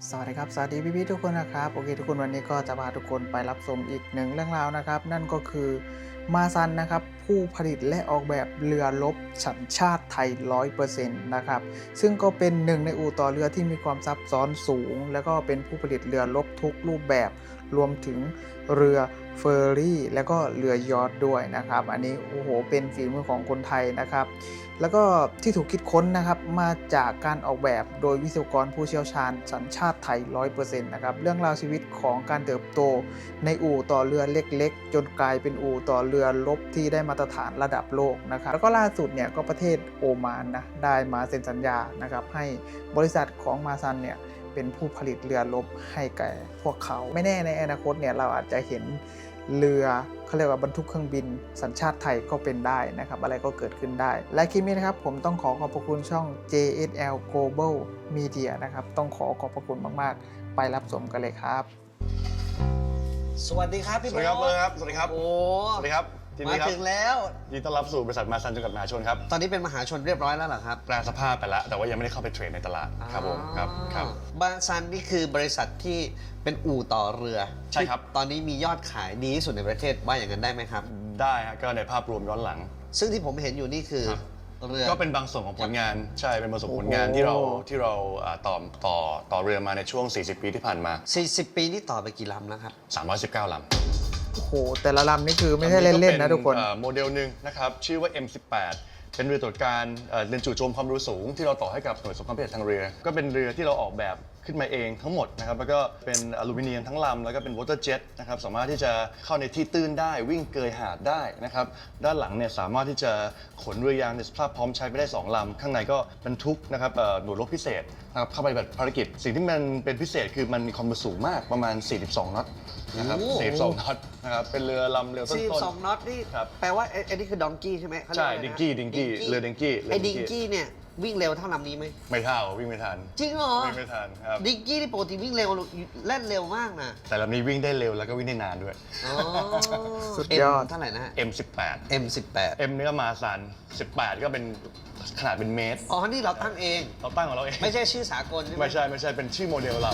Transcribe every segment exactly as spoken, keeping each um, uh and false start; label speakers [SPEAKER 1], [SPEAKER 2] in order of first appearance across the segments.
[SPEAKER 1] สวัสดีครับสวัสดีพี่ๆทุกคนนะครับโอเคทุกคนวันนี้ก็จะพาทุกคนไปรับชมอีกหนึ่งเรื่องราวนะครับนั่นก็คือมาซันนะครับผู้ผลิตและออกแบบเรือรบสัญชาติไทย ร้อยเปอร์เซ็นต์ นะครับซึ่งก็เป็นหนึ่งในอู่ต่อเรือที่มีความซับซ้อนสูงแล้วก็เป็นผู้ผลิตเรือรบทุกรูปแบบรวมถึงเรือเฟอร์รี่และก็เรือยอทด้วยนะครับอันนี้โอ้โหเป็นฝีมือของคนไทยนะครับแล้วก็ที่ถูกคิดค้นนะครับมาจากการออกแบบโดยวิศวกรผู้เชี่ยวชาญสัญชาติไทย ร้อยเปอร์เซ็นต์ นะครับเรื่องราวชีวิตของการเติบโตในอู่ต่อเรือเล็กๆจนกลายเป็นอู่ต่อเรือรบที่ได้มาตรฐานระดับโลกนะครับแล้วก็ล่าสุดเนี่ยก็ประเทศโอมานนะได้มาเซ็นสัญญานะครับให้บริษัทของมาซันเนี่ยเป็นผู้ผลิตเรือรบให้แก่พวกเขาไม่แน่ในอนาคตเนี่ยเราอาจจะเห็นเรือเขาเรียกว่าบรรทุกเครื่องบินสัญชาติไทยก็เป็นได้นะครับอะไรก็เกิดขึ้นได้และคลิปนี้นะครับผมต้องขอขอบพระคุณช่อง เจ เอส แอล Global Media นะครับต้องขอขอบพระคุณมากๆไปรับชมกันเลยครับ
[SPEAKER 2] สวัสดีครับพี่
[SPEAKER 3] สวัสดีครับ
[SPEAKER 2] โบ๊ท
[SPEAKER 3] ครับ สวัสดีครับ
[SPEAKER 2] โอ้
[SPEAKER 3] สวัสดีครับที
[SPEAKER 2] มา
[SPEAKER 3] นี้ครับ
[SPEAKER 2] ถึงแล้ว
[SPEAKER 3] ยินดีต้อนรับสู่บริษัทมาซันจำกัดมหาชนครับ
[SPEAKER 2] ตอนนี้เป็นมหาชนเรียบร้อยแล้วเหรอครับ
[SPEAKER 3] แปลสภาพไปแล้ว แต่ว่ายังไม่ได้เข้าไปเทรดในตลาดครับผมครับครับ
[SPEAKER 2] บาซันนี่คือบริษัทที่เป็นอู่ต่อเรือ
[SPEAKER 3] ใช่ครับ
[SPEAKER 2] ที่ตอนนี้มียอดขายดีที่สุดในประเทศว่าอย่างนั้นได้ไหมครับ
[SPEAKER 3] ได้ฮะก็ในภาพรวมย้อนหลัง
[SPEAKER 2] ซึ่งที่ผมเห็นอยู่นี่คือ
[SPEAKER 3] ครับ
[SPEAKER 2] เรือ
[SPEAKER 3] ก็เป็นบางส่วนของผลงาน ใช่ เป็นบางส่วนของผลงาน
[SPEAKER 2] โอ้โห
[SPEAKER 3] ที่เราที่เราอ่าต่อต่อต่อเรือมาในช่วง สี่สิบ ปีที่ผ่านมา
[SPEAKER 2] สี่สิบ ปีนี่ต่อไปกี่ลำแล้วครับ
[SPEAKER 3] สามร้อยสิบเก้า ลำ
[SPEAKER 1] โอ้โหแต่ละลำนี่คือไม่ใช่เล่นๆนะทุกคน
[SPEAKER 3] เอ่อโมเดลหนึ่งนะครับชื่อว่า เอ็ม สิบแปด เป็นเรือตรวจการเอ่อเรือจู่โจมความเร็วสูงที่เราต่อให้กับหน่วยสงครามพิเศษทางเรือ ก็เป็นเรือที่เราออกแบบขึ้นมาเองทั้งหมดนะครับแล้วก็เป็นอลูมิเนียมทั้งลำแล้วก็เป็นวอเตอร์เจ็ตนะครับสามารถที่จะเข้าในที่ตื้นได้วิ่งเกยหาดได้นะครับด้านหลังเนี่ยสามารถที่จะขนเรือยางในสภาพพร้อมใช้ไปได้สองลำข้างในก็บรรทุกนะครับเอ่อหน่วยรบพิเศษนะครับเข้าไปแบบภารกิจสิ่งที่มันเป็นพิเศษคือมันมีความเร็วสูงมากประมาณ สี่สิบสอง น็อตนะครับ
[SPEAKER 2] โอ้โห
[SPEAKER 3] สี่สิบสอง น็อตนะครับเป็นเรือลำเรือต้น
[SPEAKER 2] สี่สิบสอง
[SPEAKER 3] ๆ
[SPEAKER 2] น็อตนี่
[SPEAKER 3] ครับ
[SPEAKER 2] แปลว่าไอ้ไอ้นี่คือดองกี้ใช่ไหมเขาเรีย
[SPEAKER 3] ใช่
[SPEAKER 2] ว่าะไรนะ
[SPEAKER 3] ดิงกี้ดิงกี้เรือดิงกี้เรือ
[SPEAKER 2] ไอ้
[SPEAKER 3] ดิ
[SPEAKER 2] ดิ
[SPEAKER 3] ง
[SPEAKER 2] ง
[SPEAKER 3] กี้
[SPEAKER 2] กี้เนี่ยวิ่งเร็วเท่าลำนี้ไหม
[SPEAKER 3] ไม่เท่าวิ่งไม่ทัน
[SPEAKER 2] จริงเหรอ
[SPEAKER 3] วิ่งไม่ทันครับ
[SPEAKER 2] ดิงกี้นี่ปกติวิ่งเร็วเล่นเร็วมากนะ
[SPEAKER 3] แต่ลำนี้วิ่งได้เร็วแล้วก็วิ่งได้นานด้วย
[SPEAKER 2] อ๋อ
[SPEAKER 1] สุดยอด
[SPEAKER 2] M เท่าไหร่นะฮะ
[SPEAKER 3] เอ็ม สิบแปด
[SPEAKER 2] เอ็ม สิบแปด
[SPEAKER 3] M นี่ก็มาซันสิบแปดก็เป็นขนาดเป็นเมตร
[SPEAKER 2] อ๋อ นี่เราตั้งเอง
[SPEAKER 3] เราตั้งของเราเอง
[SPEAKER 2] ไม่ใช่ชื่อสากลใช่ไหม
[SPEAKER 3] ไม่ใช่ไม่ใช่เป็นชื่อโมเดลเรา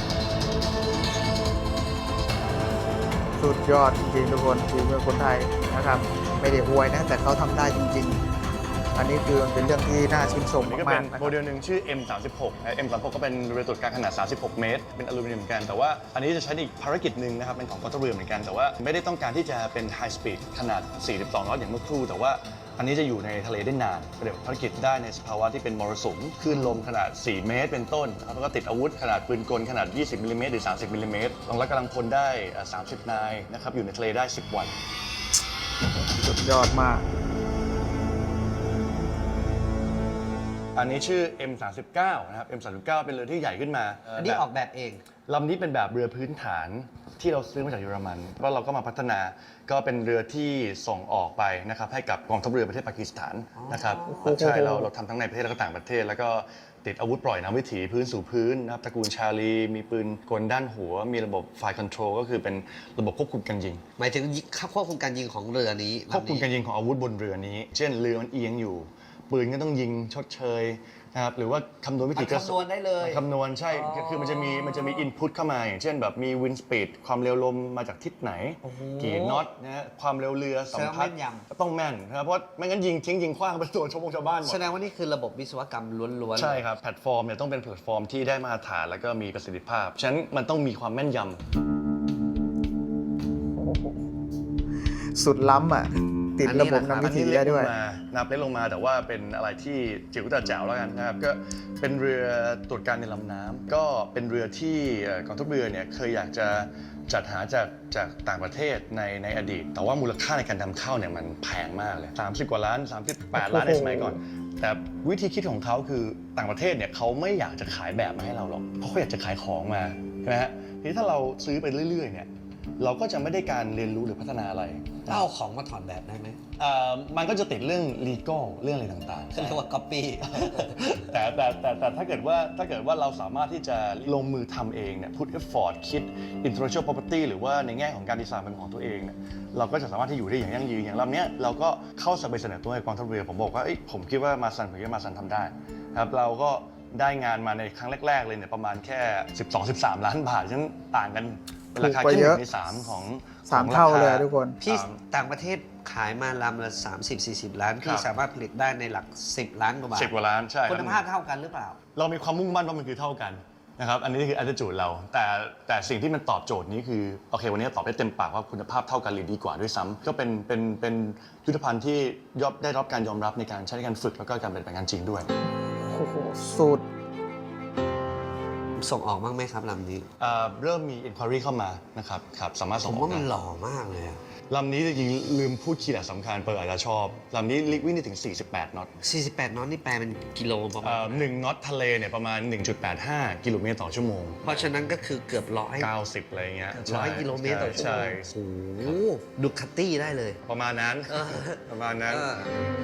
[SPEAKER 1] สุดยอดจริงๆทุกคนฝีมือคนไทยนะครับไม่ได้อวยนะแต่เขาทำได้จริงๆ อันนี้คือมันเป็นเรื่องที่น่าชื่นชม
[SPEAKER 3] นี่ก็
[SPEAKER 1] มา
[SPEAKER 3] เป็
[SPEAKER 1] ก
[SPEAKER 3] น
[SPEAKER 1] ๆนะค
[SPEAKER 3] โม
[SPEAKER 1] รับ
[SPEAKER 3] เดลหนึ่งชื่อ เอ็ม สามสิบหก เอ็ม สามสิบหก ก็เป็นเรือตรวจการขนาด สามสิบหก เมตร เป็นอลูมิเนียมเหมือนกัน แต่ว่าอันนี้จะใช้ในอีกภารกิจหนึ่งนะครับ เป็นของกองทัพเรือเหมือนกัน แต่ว่าไม่ได้ต้องการที่จะเป็นไฮสปีดขนาด สี่สิบสอง น็อตอย่างเมื่อครู่ แต่ว่าอันนี้จะอยู่ในทะเลได้นานปฏิบัติภารกิจได้ในสภาวะที่เป็นมรสุมคลื่นลมขนาด สี่ เมตร เป็นต้นนะครับแล้วก็ติดอาวุธขนาดปืนกลขนาด ยี่สิบ มิลลิเมตร หรือ สามสิบ มิลลิเมตรรองรับกำลังพลได้เอ่อสามสิบ นายนะครับอยู่ในทะเลได้ สิบ วัน
[SPEAKER 1] สุดยอดมาก
[SPEAKER 3] อันนี้ชื่อ เอ็ม สามสิบเก้า นะครับ เอ็ม สามสิบเก้า เป็นเรือที่ใหญ่ขึ้นมา
[SPEAKER 2] อันนี้ออกแบบเอง
[SPEAKER 3] ลำนี้เป็นแบบเรือพื้นฐานที่เราซื้อมาจากเยอรมันแล้วเราก็มาพัฒนาก็เป็นเรือที่ส่งออกไปนะครับให้กับกองทัพเรือประเทศปากีสถานนะครับใช่เราเราทำทั้งในประเทศและก็ต่างประเทศ แล้วก็ติดอาวุธปล่อยน้ำวิถีพื้นสู่พื้นนะครับตระกูลชาลีมีปืนกลด้านหัว มีระบบไฟคอนโทรลก็คือเป็นระบบควบคุมการยิง
[SPEAKER 2] หมายถึงควบคุมการยิงของเรือนี้
[SPEAKER 3] ควบคุมการยิงของอาวุธบนเรือนี้ เช่นเรือมันเอียงอยู่ ปืนก็ต้องยิงชดเชยนะครับหรือว่าคำนวณวิธีกระ
[SPEAKER 2] คำนวณได้เลย
[SPEAKER 3] คำนวณใช่
[SPEAKER 2] อ๋อ
[SPEAKER 3] คือมันจะมีมันจะมีอินพุตเข้ามาอย่างเช่นแบบมีวินสปีดความเร็วลมมาจากทิศไหน
[SPEAKER 2] โอ้โห
[SPEAKER 3] กี่น็อตนะฮะความเร็วเรือสัมพัทธ์
[SPEAKER 2] แสดงว่าแม่นยำ
[SPEAKER 3] ก็ต้องแม่นนะครับเพราะไม่งั้นยิงทิ้งยิงขว้างไปตัวชาวบงชาวบ้านหมด
[SPEAKER 2] แสดงว่านี่คือระบบวิศวกรรมล้วนๆ
[SPEAKER 3] ใช่ครับแพลตฟอร์มเนี่ยต้องเป็นแพลตฟอร์มที่ได้มาตรฐานแล้วก็มีประสิทธิภาพฉะนั้นมันต้องมีความแม่นยำ
[SPEAKER 1] โอ้โหสุดล้ำอ่ะ ติดระบบนำวิถีได้ด้วย
[SPEAKER 3] อันนี้เล็กลงมานับเล็กลงมาแต่ว่าเป็นอะไรที่จิ๋วแต่แจ๋วแล้วกันนะครับก็เป็นเรือตรวจการในลำน้ำก็เป็นเรือที่เอ่อกองทัพเรือเนี่ยเคยอยากจะจัดหาจากจากต่างประเทศในในอดีต แต่ว่ามูลค่าในการนำเข้าเนี่ยมันแพงมากเลยสามสิบกว่าล้านสามสิบแปดล้านในสมัยก่อน แต่วิธีคิดของเขาคือต่างประเทศเนี่ยเขาไม่อยากจะขายแบบมาให้เราหรอกเพราะเขาอยากจะขายของมาใช่ไหมฮะทีนี้ถ้าเราซื้อไปเรื่อยๆเนี่ยเราก็จะไม่ได้การเรียนรู้หรือพัฒนาอะไร
[SPEAKER 2] เอาของมาถอดแบบได้ไหม
[SPEAKER 3] เอ่อมันก็จะติดเรื่อง legal เรื่องอะไรต่างๆ
[SPEAKER 2] เขาเรียกว่า copy
[SPEAKER 3] แต่แต่แต่แต่ถ้าเกิดว่าถ้าเกิดว่าเราสามารถที่จะลงมือทำเองเนี่ย put effort คิด intellectual property หรือว่าในแง่ของการดีไซน์เป็นของตัวเองเนี่ยเราก็จะสามารถที่อยู่ได้อย่างยั่งยืนอย่างลำเนี้ยเราก็เข้าไปเสนอตัวให้กองทัพเรือผมบอกว่าเอ้ยผมคิดว่ามาซันผมคิดว่ามาซันทำได้ครับเราก็ได้งานมาในครั้งแรกๆเลยเนี่ยประมาณแค่ สิบสองถึงสิบสาม ล้านบาทฉะนั้นต่างกันเป็นราคาแค่หนึ่งในสามของ
[SPEAKER 1] สามเท่าเลยทุกคน
[SPEAKER 2] พี่ต่างประเทศขายมาลำละสามสิบสี่สิบ ล้านพี่สามารถผลิตได้ในหลัก สิบ ล้านกว่าบาท
[SPEAKER 3] สิบกว่าล้านใช่
[SPEAKER 2] คุณภาพเท่ากันหรือเปล่า
[SPEAKER 3] เรามีความมุ่งมั่นว่ามันคือเท่ากันนะครับอันนี้คือ attitude เราแต่แต่สิ่งที่มันตอบโจทย์นี้คือโอเควันนี้ตอบได้เต็มปากว่าคุณภาพเท่ากันหรือดีกว่าด้วยซ้ำก็เป็นเป็นเป็นยุทธภัณฑ์ที่ยอมได้รับการยอมรับในการใช้ในการฝึกแล้วก็การเป็นไปงานจริงด้วย
[SPEAKER 1] โอ้โหสุด
[SPEAKER 2] ส่งออกบ้างไหมครับลำนี้
[SPEAKER 3] เอ่อเริ่มมี inquiry เข้ามานะครับครับสามารถ
[SPEAKER 2] ผ
[SPEAKER 3] ส่ง
[SPEAKER 2] ม
[SPEAKER 3] ออก
[SPEAKER 2] ว่ามัน
[SPEAKER 3] ได้
[SPEAKER 2] หล่อมากเลยอะ
[SPEAKER 3] ลำนี้จริงๆลืมพูดคีย์หลักสำคัญเปิดอาจจะชอบลำนี้วิ่งได้ถึงสี่สิบแปดน็อต
[SPEAKER 2] สี่สิบแปดน็อตนี่แปลเป็นกิโลประมา
[SPEAKER 3] เอ่
[SPEAKER 2] ณ
[SPEAKER 3] อหนึ่งน็อตทะเลเนี่ยประมาณ หนึ่งจุดแปดห้า กิโลเมตรต่อชั่วโมง
[SPEAKER 2] เพราะฉะนั้นก็คือเกือบร้อย
[SPEAKER 3] เก้าสิบอะไรเงี้ย
[SPEAKER 2] ร้อยกิโลเมตรต่อชั่วโม
[SPEAKER 3] ใช่
[SPEAKER 2] งโอ้โหดูคัตตี้ได้เลย
[SPEAKER 3] ประมาณนั้น
[SPEAKER 2] เออ
[SPEAKER 3] ประมาณนั้น
[SPEAKER 2] เออ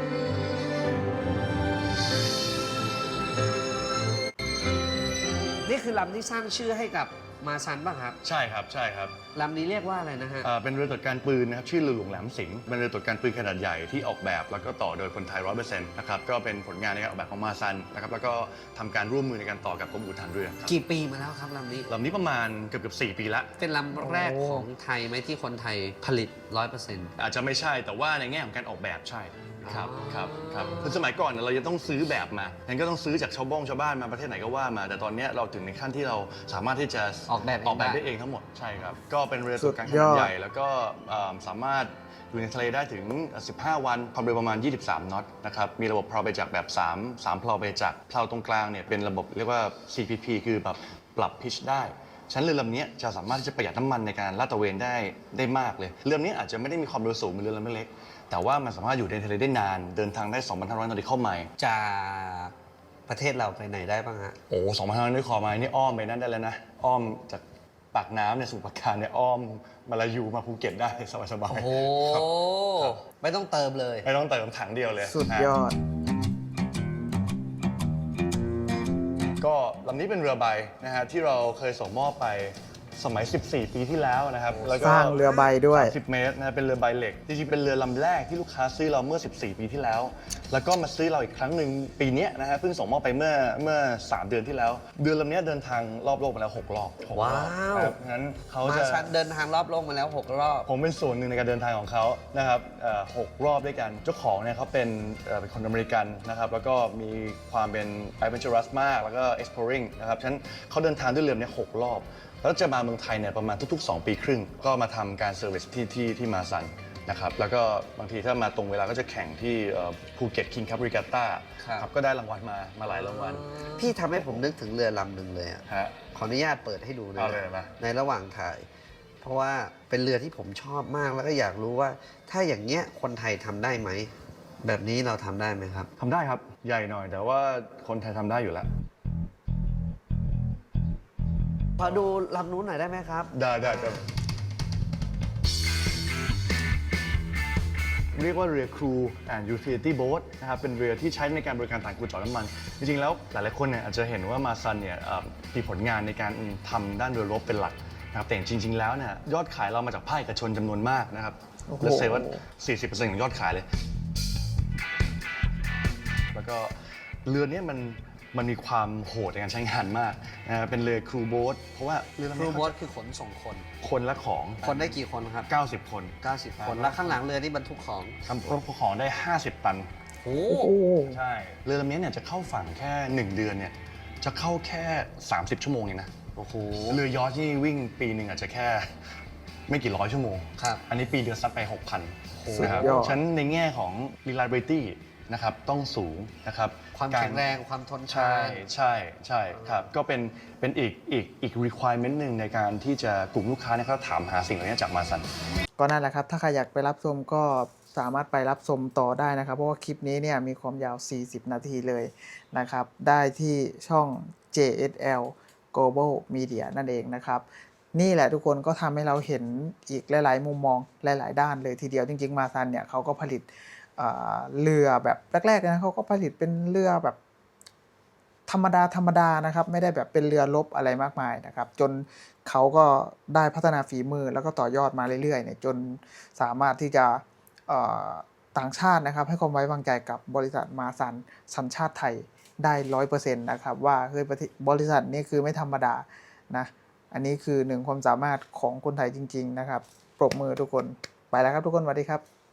[SPEAKER 2] นี่คือลำที่สร้างชื่อให้กับมาซันป่ะครับ
[SPEAKER 3] ใช่ครับใช่ครับ
[SPEAKER 2] ลำนี้เรียกว่าอะไรนะฮะ
[SPEAKER 3] เอ่อเป็นเรือตรวจการปืนนะครับชื่อเรือหลวงแหลมสิงห์เป็นเรือตรวจการปืนขนาดใหญ่ที่ออกแบบแล้วก็ต่อโดยคนไทย ร้อยเปอร์เซ็นต์ นะครับก็เป็นผลงานในการออกแบบของมาซันนะครับแล้วก็ทำการร่วมมือในการต่อกับกรมอู่ทหารเรือครับ
[SPEAKER 2] กี่ปีมาแล้วครับลำนี้
[SPEAKER 3] ลำนี้ประมาณเกือบเกือบสี่ปีละ
[SPEAKER 2] เป็นลำแรกของไทยไหมที่คนไทยผลิต ร้อยเปอร์เซ็นต์
[SPEAKER 3] อาจจะไม่ใช่แต่ว่าในแง่ของการออกแบบใช่ครับ
[SPEAKER 2] อ๋อ
[SPEAKER 3] ครับครับคือสมัยก่อนเนี่ยเราจะต้องซื้อแบบมางั้นก็ต้องซื้อจากชาวบ้องชาวบ้านมาประเทศไหนก็ว่ามา แต่ตอนเนี้ยเราถึงในขั้นที่เราสามารถที่จะ
[SPEAKER 2] ออกแบบเอง
[SPEAKER 3] ออกแบบ
[SPEAKER 2] ได้
[SPEAKER 3] ได้เองทั้งหมดใช่ครับก็เป็นเรือตรวจการข
[SPEAKER 1] สุดย
[SPEAKER 3] นา
[SPEAKER 1] อ
[SPEAKER 3] ด
[SPEAKER 1] ด
[SPEAKER 3] ใหญ่แล้วก็เอ่อสามารถอยู่ในทะเลได้ถึง สิบห้า วันความเร็วประมาณ ยี่สิบสาม น็อตนะครับมีระบบเพลาไปจักแบบสาม สามเพลาไปจักเพลาตรงกลางเนี่ยเป็นระบบเรียกว่า ซี พี พี คือแบบปรับพิชได้ฉะนั้นเรือลำนี้จะสามารถที่จะประหยัดน้ำมันในการลาดตระเวนได้ได้มากเลยเรือลำนี้อาจจะไม่ได้มีความเร็วสูงเหมือนเรือลำเล็กแต่ว่ามันสามารถอยู่ในทะเลได้นานเดินทางได้ สองพันห้าร้อย นอติคอลไมล์
[SPEAKER 2] จากประเทศเราไปไหนได้บ้างฮะ
[SPEAKER 3] โอ้สองพันห้าร้อยนอติคอลไมล์นี่อ้อมไปนั่นได้แล้วนะอ้อมจากปากน้ำเนี่ยสู่ปากการเนี่ยอ้อมมาลายูมาภูเก็ตได้สบาย
[SPEAKER 2] โอ้โห
[SPEAKER 3] ๆครับ
[SPEAKER 2] ไม่ต้องเติมเลย
[SPEAKER 3] ไม่ต้องเติมถังเดียวเลย
[SPEAKER 1] สุดยอด
[SPEAKER 3] ก็ลำนี้เป็นเรือใบนะฮะที่เราเคยส่งมอบไปสมัย สิบสี่ ปีที่แล้วนะครับแล้วก็
[SPEAKER 1] สร้างเรือใบด้วย
[SPEAKER 3] สามสิบ เมตรนะเป็นเรือใบเหล็กจริงๆเป็นเรือลำแรกที่ลูกค้าซื้อเราเมื่อ สิบสี่ ปีที่แล้ว แล้วก็มาซื้อเราอีกครั้งหนึ่งปีนี้นะฮะเพิ่งส่งมอบไปเมื่อเมื่อ สาม เดือนที่แล้วเรือลำนี้เดินทางรอบโลกมาแล้วหกรอบหกรอบ
[SPEAKER 2] ว้าว
[SPEAKER 3] ครับงั้นเขา
[SPEAKER 2] มา
[SPEAKER 3] จะ
[SPEAKER 2] ซันเดินทางรอบโลกมาแล้วหกรอบ
[SPEAKER 3] ผมเป็นส่วนหนึ่งในการเดินทางของเขานะครับเอ่อหกรอบด้วยกันเจ้าของเนี่ยเขาเป็นเอ่อเป็นคนอเมริกันนะครับแล้วก็มีความเป็น adventurous มากแล้วก็ exploring นะครับฉะนั้นเขาเดินทางด้วยเรือเนี่ยหกรอบแล้วจะมาเมืองไทยเนี่ยประมาณทุกๆ สอง ปีครึ่ง ก็มาทำการเซอร์วิสที่ที่ที่มาซันนะครับแล้วก็บางทีถ้ามาตรงเวลาก็จะแข่งที่ภูเก็ตคิงคัพริกาต้า
[SPEAKER 2] ครับ
[SPEAKER 3] ครับก็ได้รางวัลมามาหลายรางวัล
[SPEAKER 2] พี่ทำให้ผมนึกถึงเรือลำหนึ่งเลยอะ
[SPEAKER 3] ฮะ
[SPEAKER 2] ขออนุญาตเปิดให้ดูนะ
[SPEAKER 3] เอาเลยมา
[SPEAKER 2] ในระหว่างถ่าย เพราะว่าเป็นเรือที่ผมชอบมากแล้วก็อยากรู้ว่า ถ้าอย่างเงี้ยคนไทยทำได้ไหม แบบนี้เราทำได้ไหมครับ
[SPEAKER 3] ทำได้ครับใหญ่หน่อยแต่ว่าคนไทยทำได้อยู่แล้ว
[SPEAKER 2] พอดูลำนู้นหน่อยได้ไหมครับ
[SPEAKER 3] ได้ได้ได้เรียกว่าเรือ Crew and Utility Boat นะครับเป็นเรือที่ใช้ในการบริการต่างกูจอดน้ำมัน จริงๆแล้วหลายๆคนเนี่ยอาจจะเห็นว่ามาซันเนี่ยเอ่อมีผลงานในการทำด้านเรือรบเป็นหลักนะครับแต่จริงๆแล้วเนี่ยยอดขายเรามาจากภาคเอกชนจำนวนมากนะครับ
[SPEAKER 1] โอ้โห
[SPEAKER 3] และเซว่า สี่สิบเปอร์เซ็นต์ ของยอดขายเลย แล้วก็เรือเนี้มันมันมีความโหดในการใช้งานมากนะครับเป็นเรือ Crew Boat เพราะว่าเรือลำ
[SPEAKER 2] ครู
[SPEAKER 3] นี้
[SPEAKER 2] โบ๊ทคือขนส่งคน
[SPEAKER 3] คนและของ
[SPEAKER 2] คนได้กี่คนครับ
[SPEAKER 3] เก้าสิบ คน
[SPEAKER 2] เก้าสิบ คน แล้วข้างหลังเรือนี่บรรทุกของ
[SPEAKER 3] ทำรถของได้ ห้าสิบ ตัน
[SPEAKER 2] โอ้
[SPEAKER 1] โอ้โห
[SPEAKER 3] ใช่ เรือลำนี้เนี่ยจะเข้าฝั่งแค่ หนึ่ง เดือนเนี่ยจะเข้าแค่ สามสิบ ชั่วโมงเองนะ
[SPEAKER 2] โอ้โห
[SPEAKER 3] เรือยอชที่วิ่งปีหนึ่งอาจจะแค่ไม่กี่ร้อยชั่วโมง
[SPEAKER 2] ครับ
[SPEAKER 3] อันนี้ปีเดือนซัดไป หกพัน
[SPEAKER 1] สุด
[SPEAKER 3] นะครับ
[SPEAKER 1] ยอด
[SPEAKER 3] ฉะนันในแง่ของ reliability นะครับต้องสูงนะครับ
[SPEAKER 2] ความ
[SPEAKER 3] ก
[SPEAKER 2] แข็งแรงความทนทา
[SPEAKER 3] ใช่
[SPEAKER 2] น
[SPEAKER 3] ใช่ใช่ครับก็เป็นเป็นอีกอีกอีก requirement หนึ่งในการที่จะกลุ่มลูกค้าเนี่ยเขาถามหาสิ่งเหล่านี้จากมาซัน
[SPEAKER 1] ก็นั่นแหละครับ ถ้าใครอยากไปรับชมก็สามารถไปรับชมต่อได้นะครับ เพราะว่าคลิปนี้เนี่ยมีความยาว สี่สิบ นาทีเลยนะครับ ได้ที่ช่อง เจ เอส แอล Global Media นั่นเองนะครับ นี่แหละทุกคนก็ทำให้เราเห็นอีกหลาย ๆ มุมมองหลาย ๆ ด้านเลยทีเดียวจริง ๆ มาซันเนี่ยเขาก็ผลิตเอ่อเรือแบบแรก ๆ นะเขาก็ผลิตเป็นเรือแบบธรรมดาธรรมดานะครับไม่ได้แบบเป็นเรือรบอะไรมากมายนะครับจนเขาก็ได้พัฒนาฝีมือแล้วก็ต่อยอดมาเรื่อยๆเนี่ยจนสามารถที่จะเอ่อต่างชาตินะครับให้ความไว้วางใจกับบริษัทมาซันสัญชาติไทยได้ ร้อยเปอร์เซ็นต์ นะครับว่าเฮ้ยประเทศบริษัทนี้คือไม่ธรรมดานะอันนี้คือหนึ่งความสามารถของคนไทยจริงๆนะครับปรบมือทุกคนไปแล้วครับทุกคนสวัสดีครับ